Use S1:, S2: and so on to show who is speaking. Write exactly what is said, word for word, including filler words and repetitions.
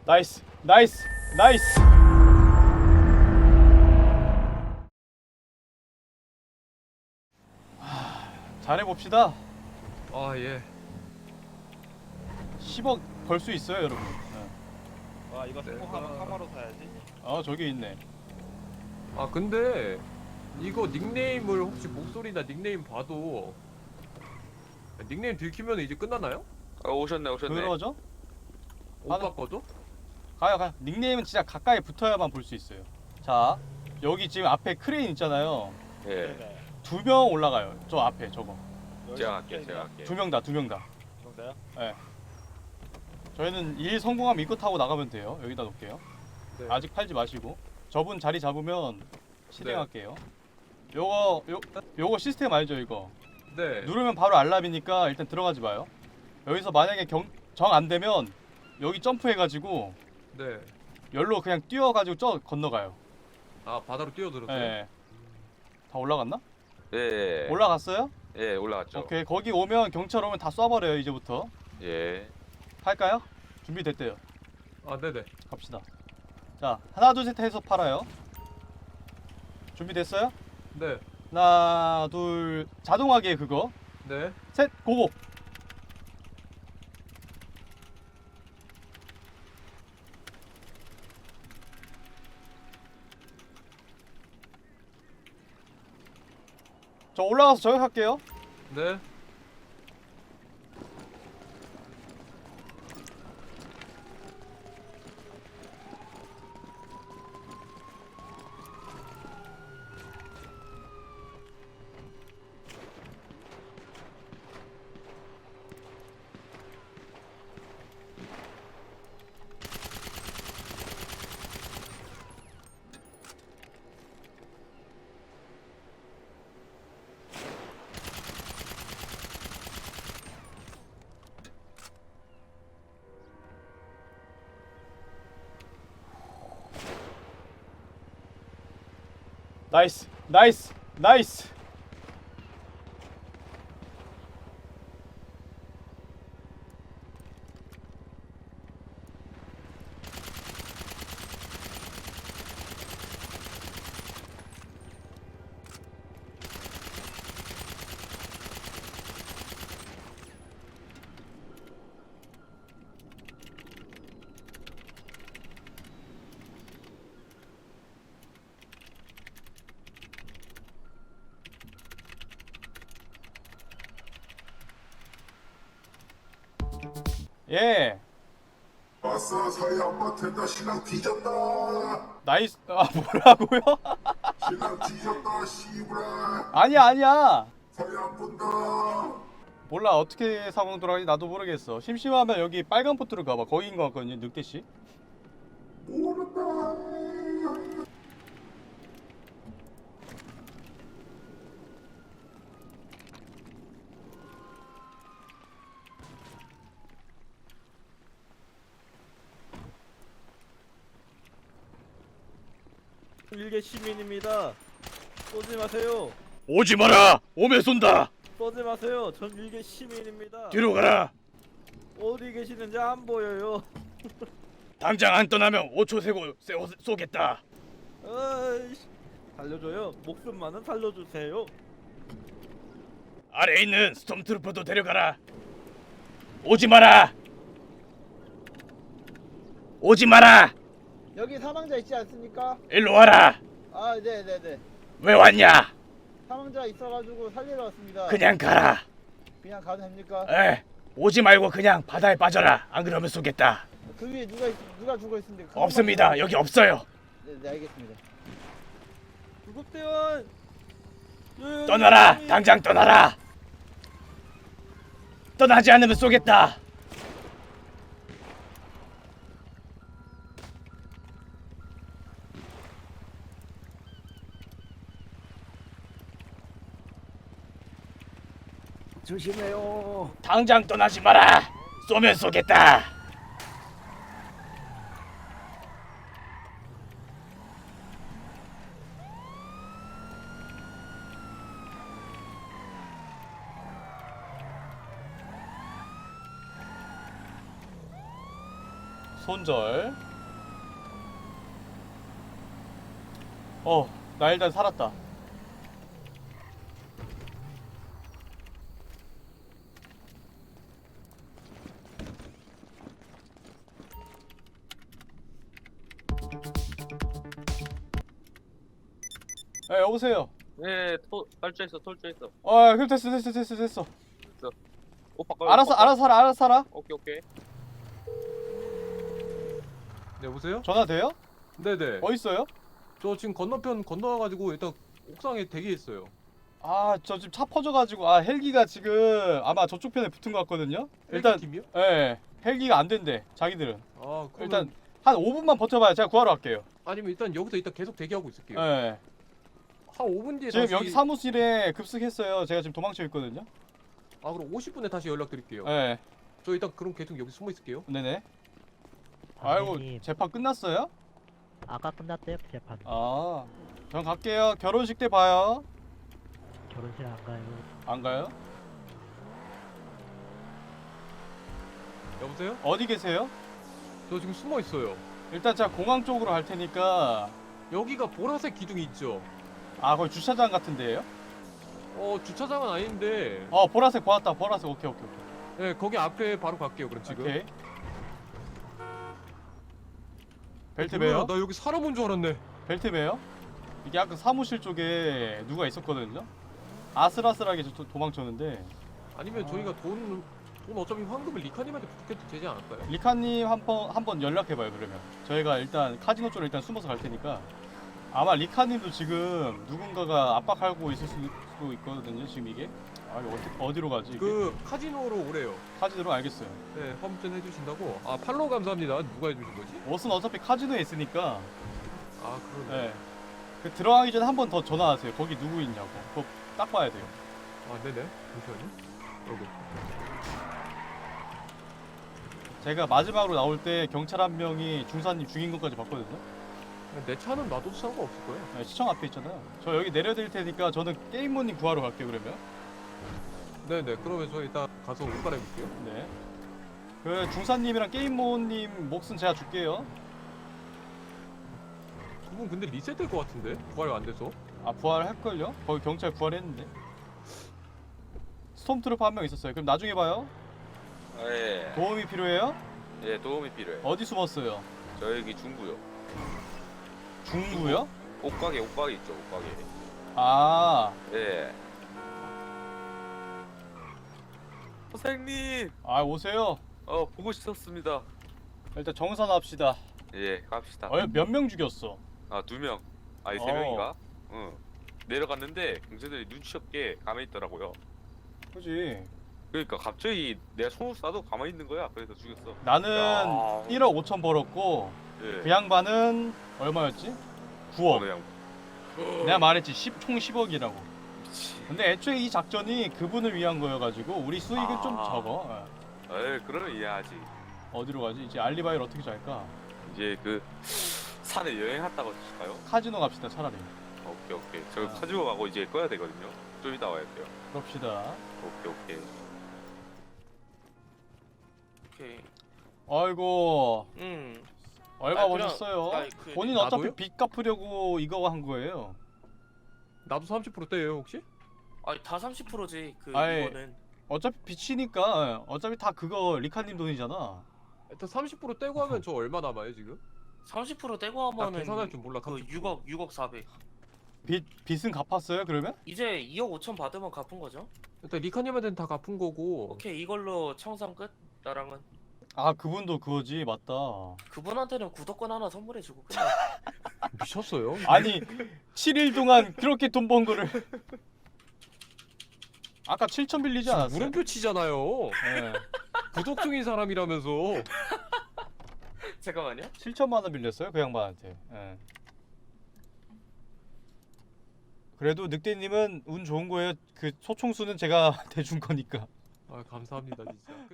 S1: 나이스 나이스 나이스. 하, 잘해봅시다.
S2: 아 예.
S1: 십억 벌 수 있어요 여러분. 네.
S3: 와 이거 성공하면
S2: 내가-
S3: 카마로 사야지.
S1: 어 저기 있네.
S2: 아 근데 이거 닉네임을 혹시 목소리나 닉네임 봐도 닉네임 들키면 이제 끝나나요?
S4: 어, 오셨네 오셨네.
S1: 그러죠?
S2: 못
S1: 아, 네.
S2: 바꿔도?
S1: 가요 가요. 닉네임은 진짜 가까이 붙어야만 볼 수 있어요. 자 여기 지금 앞에 크레인 있잖아요.
S4: 예.
S3: 네네.
S1: 두 명 올라가요. 저 앞에 저거.
S4: 제가 할게요 제가 할게요.
S1: 두 명 다 두 명 다.
S3: 정도요?
S1: 예. 저희는 일 성공하면 이거 타고 나가면 돼요. 여기다 놓을게요.
S2: 네.
S1: 아직 팔지 마시고. 저분 자리 잡으면 실행할게요. 요거 요 요거 시스템 알죠 이거?
S2: 네.
S1: 누르면 바로 알람이니까 일단 들어가지 마요. 여기서 만약에 정 안 되면 여기 점프해가지고
S2: 네.
S1: 열로 그냥 뛰어가지고 저 건너가요.
S2: 아 바다로 뛰어들었어요?
S1: 예. 다 올라갔나?
S4: 예.
S1: 올라갔어요?
S4: 예 올라갔죠.
S1: 오케이. 거기 오면 경찰 오면 다 쏴버려요 이제부터.
S4: 예.
S1: 할까요? 준비됐대요.
S2: 아 네네.
S1: 갑시다. 자 하나 둘 셋 해서 팔아요. 준비됐어요?
S2: 네.
S1: 하나 둘 자동하게 그거
S2: 네.
S1: 셋 고고. 저 올라가서 저격할게요.
S2: 네.
S1: 나이스 나이스 나이스. 예.
S5: 아싸 사양 맡았다 신랑 뒤졌다
S1: 나이스. 아 뭐라고요?
S5: 신랑 뒤졌다 씨부라
S1: 아니야 아니야.
S5: 사양 본다
S1: 몰라 어떻게 상황 돌아가는지 나도 모르겠어. 심심하면 여기 빨간 포트로 가봐. 거기인 것 같거든요 늑대씨.
S5: 모른다
S3: 일개 시민입니다. 쏘지 마세요.
S1: 오지 마라. 오면 쏜다.
S3: 쏘지 마세요. 전 일개 시민입니다.
S1: 뒤로 가라.
S3: 어디 계시는지 안 보여요.
S1: 당장 안 떠나면 오 초 세고 쏘, 쏘겠다.
S3: 아이씨. 살려줘요. 목숨만은 살려주세요.
S1: 아래에 있는 스톰트루퍼도 데려가라. 오지 마라. 오지 마라.
S6: 여기 사망자 있지 않습니까?
S1: 일로 와라.
S6: 아, 네네네.
S1: 왜 왔냐?
S6: 사망자 있어가지고 살리러 왔습니다.
S1: 그냥 가라.
S6: 그냥 가도 됩니까?
S1: 에, 오지 말고 그냥 바다에 빠져라. 안 그러면 쏘겠다.
S6: 그 위에 누가 있, 누가 죽어 있는데? 그것만
S1: 없습니다.
S6: 좀-
S1: 여기 없어요.
S6: 네, 네 알겠습니다.
S3: 구급대원. 예,
S1: 떠나라.
S3: 시민.
S1: 당장 떠나라. 떠나지 않으면 쏘겠다.
S6: 조심해요.
S1: 당장 떠나지 마라. 쏘면 쏘겠다. 손절. 어, 나 일단 살았다. 에, 여보세요.
S4: 네, 토, 탈주했어, 탈주했어.
S1: 어, 그럼 됐어, 됐어, 됐어, 됐어.
S4: 옷 바꿔.
S1: 알아서, 알아서 살아, 알아서 살아.
S4: 오케이, 오케이.
S2: 네, 여보세요?
S1: 전화 돼요?
S2: 네네.
S1: 어디 있어요?
S2: 저 지금 건너편 건너와가지고 일단 옥상에 대기했어요.
S1: 아, 저 지금 차 퍼져가지고 아 헬기가 지금 아마 저쪽 편에 붙은 것 같거든요. 일단,
S2: 팀이요?
S1: 예, 헬기가 안 된대. 자기들은.
S2: 아, 그러면
S1: 일단 한 오 분만 버텨봐요. 제가 구하러 갈게요.
S2: 아니면 일단 여기서 일단 계속 대기하고 있을게요.
S1: 예.
S2: 한 오 분 뒤에
S1: 지금
S2: 다시.
S1: 여기 사무실에 급습했어요. 제가 지금 도망쳐 있거든요.
S2: 아, 그럼 오십 분에 다시 연락드릴게요.
S1: 예.
S2: 저 일단 그럼 계속 여기 숨어 있을게요.
S1: 네네. 아이고,
S7: 선생님,
S1: 재판 끝났어요?
S7: 아까 끝났대요 재판.
S1: 아, 전 갈게요. 결혼식 때 봐요.
S7: 결혼식 안 가요.
S1: 안 가요?
S2: 여보세요?
S1: 어디 계세요?
S2: 저 지금 숨어 있어요.
S1: 일단 제가 공항 쪽으로 갈 테니까.
S2: 여기가 보라색 기둥이 있죠.
S1: 아, 거기 주차장 같은 데예요?
S2: 어, 주차장은 아닌데.
S1: 어, 보라색 보았다. 보라색. 오케이, 오케이, 오케이.
S2: 네, 거기 앞에 바로 갈게요. 그럼 지금.
S1: 오케이. 벨트
S2: 뭐야,
S1: 매요?
S2: 나 여기 사람 온 줄 알았네.
S1: 벨트 매요? 이게 아까 사무실 쪽에 누가 있었거든요? 아슬아슬하게 저 도- 도망쳤는데
S2: 아니면
S1: 아.
S2: 저희가 돈, 돈 어차피 황금을 리카님한테 부탁해도 되지 않을까요?
S1: 리카님 한번 한번 연락해봐요. 그러면 저희가 일단 카지노 쪽으로 일단 숨어서 갈 테니까 아마 리카님도 지금 누군가가 압박하고 있을 수도 있거든요. 지금 이게 아 이거 어디, 어디로 가지? 이게?
S2: 그 카지노로 오래요.
S1: 카지노로 알겠어요.
S2: 네, 화물전 해주신다고. 아, 팔로우 감사합니다. 누가 해주신 거지?
S1: 옷은 어차피 카지노에 있으니까
S2: 아, 그러네.
S1: 네. 그 들어가기 전에 한 번 더 전화하세요. 거기 누구 있냐고. 그거 딱 봐야 돼요.
S2: 아, 네네. 잠시만요. 여기.
S1: 제가 마지막으로 나올 때 경찰 한 명이 중사님 죽인 것까지 봤거든요.
S2: 내 차는 놔둬도 상관없을 거예요.
S1: 네, 시청 앞에 있잖아요. 저 여기 내려드릴 테니까 저는 게임모님 구하러 갈게요. 그러면.
S2: 네네. 그러면 저 일단 가서 옷 갈아입을게요.
S1: 네. 그 중사님이랑 게임모님 몫은 제가 줄게요.
S2: 두 분 근데 리셋될 것 같은데? 부활 안 돼서?
S1: 아 부활할걸요? 거기 경찰 부활했는데. 스톰트루퍼 한 명 있었어요. 그럼 나중에 봐요.
S4: 예.
S1: 도움이 필요해요?
S4: 예, 도움이 필요해.
S1: 어디 숨었어요?
S4: 저 여기 중구요.
S1: 중구요?
S4: 옷가게, 옷가게 있죠, 옷가게.
S1: 아,
S4: 예. 선생님,
S1: 아 오세요.
S4: 어 보고 싶었습니다.
S1: 일단 정산합시다.
S4: 예, 갑시다.
S1: 어, 몇 명 죽였어?
S4: 아, 두 명. 아니, 세
S1: 어.
S4: 명인가? 응. 내려갔는데 경찰들이 눈치 없게 가만히 있더라고요.
S1: 그지.
S4: 그러니까 갑자기 내가 손을 쏴도 가만히 있는 거야. 그래서 죽였어.
S1: 나는
S4: 야.
S1: 일억 오천 벌었고
S4: 예.
S1: 그 양반은 얼마였지?
S4: 어,
S1: 구억.
S4: 그냥
S1: 내가 말했지 십, 총 십억이라고.
S4: 미치.
S1: 근데 애초에 이 작전이 그분을 위한 거여가지고 우리 수익은 좀
S4: 아.
S1: 적어. 예.
S4: 에이, 그러면 이해하지.
S1: 어디로 가지? 이제 알리바이를 어떻게 잘까?
S4: 이제 그 산에 여행 갔다고 하실까요?
S1: 카지노 갑시다 차라리.
S4: 오케이, 오케이. 저
S1: 아.
S4: 카지노 가고 이제 꺼야 되거든요. 좀 이따 와야 돼요.
S1: 그럽시다.
S4: 오케이, 오케이.
S8: 오케이.
S1: 아이고
S8: 음.
S1: 얼마
S8: 아, 그냥-
S1: 버셨어요?
S8: 아, 그-
S1: 본인 어차피
S2: 나도요?
S1: 빚 갚으려고 이거 한 거예요.
S2: 나도 삼십 퍼센트 떼요, 혹시?
S8: 아니 다 삼십 퍼센트지 그
S1: 아이,
S8: 이거는.
S1: 어차피 빚이니까 예, 어차피 다 그거 리카님 돈이잖아.
S2: 일단 삼십 퍼센트 떼고 하면 저 얼마 남아요, 지금?
S8: 삼십 퍼센트 떼고
S2: 나
S8: 하면은
S2: 계산할 줄 몰라.
S8: 그
S2: 삼십 퍼센트.
S8: 육억 육억 사백.
S1: 빚 빚은 갚았어요 그러면?
S8: 이제 이억 오천 받으면 갚은 거죠?
S2: 일단 리카님한테는 다 갚은 거고.
S8: 오케이 이걸로 청산 끝. 나랑은
S1: 아 그분도 그거지 맞다.
S8: 그분한테는 구독권 하나 선물해 주고 끝내.
S2: 미쳤어요?
S1: 아니 칠 일 동안 그렇게 돈 번 거를 아까 칠천 빌리지 않았어요?
S2: 물음표 치잖아요.
S1: 예.
S2: 구독 중인 사람이라면서.
S8: 잠깐만요.
S1: 칠천만 원 빌렸어요 그 양반한테. 예. 그래도 늑대님은 운 좋은 거예요. 그 소총수는 제가 대준 거니까.
S2: 아, 감사합니다, 진짜.